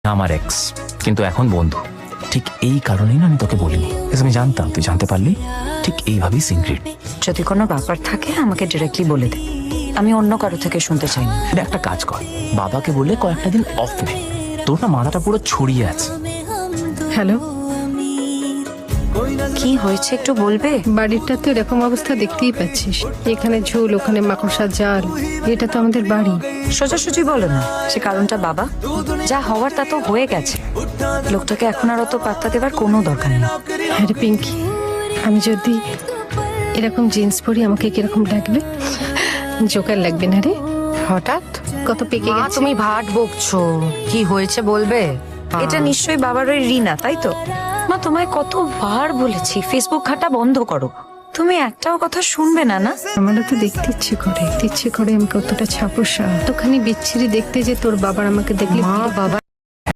আমার এক্স, কিন্তু এখন বন্ধু। ঠিক এই কারণেই না আমি তোকে বলিনি, আমি জানতাম তুই জানতে পারলি। ঠিক এইভাবেই সিক্রেট। যদি কোনো ব্যাপার থাকে আমাকে ডিরেক্টলি বলে দে, আমি অন্য কারো থেকে শুনতে চাই না। একটা কাজ কর, বাবাকে বললে কয়েকটা দিন অফ নে, তোর না মাথাটা পুরো ছড়িয়ে আছে। হ্যালো, কি হয়েছে একটু বলবে? বাড়িটা তো এরকম অবস্থা দেখতেই পাচ্ছিস, এখানে ঝোল ওখানে মাকড়সার জাল। এটা তো আমাদের বাড়ি। সোজাসুজি বলো না, সে কারণটা বাবা। যা হওয়ার তা তো হয়ে গেছে, লোকটাকে এখন আর অত পাত্তা দেবার কোনো দরকার নেই। আরে পিঙ্কি, আমি যদি এরকম জিন্স পরি আমাকে কিরকম লাগবে? জোকার লাগবে না রে? হঠাৎ কত পেকে মা, গেছে। তুমি ভাট বকছো, কি হয়েছে বলবে? এটা নিশ্চয়ই বাবার ওই রিনা, তাই তো? মা, তোমায় কতবার বলেছি ফেসবুক ঘাটা বন্ধ করো, তুমি একটাও কথা শুনবে না। না আমারও তো দেখতে ইচ্ছে করে আমি কতটা ছাপোষা, তোখানি বিচ্ছিরি দেখতে যে তোর বাবার আমাকে দেখলে মা, বাবা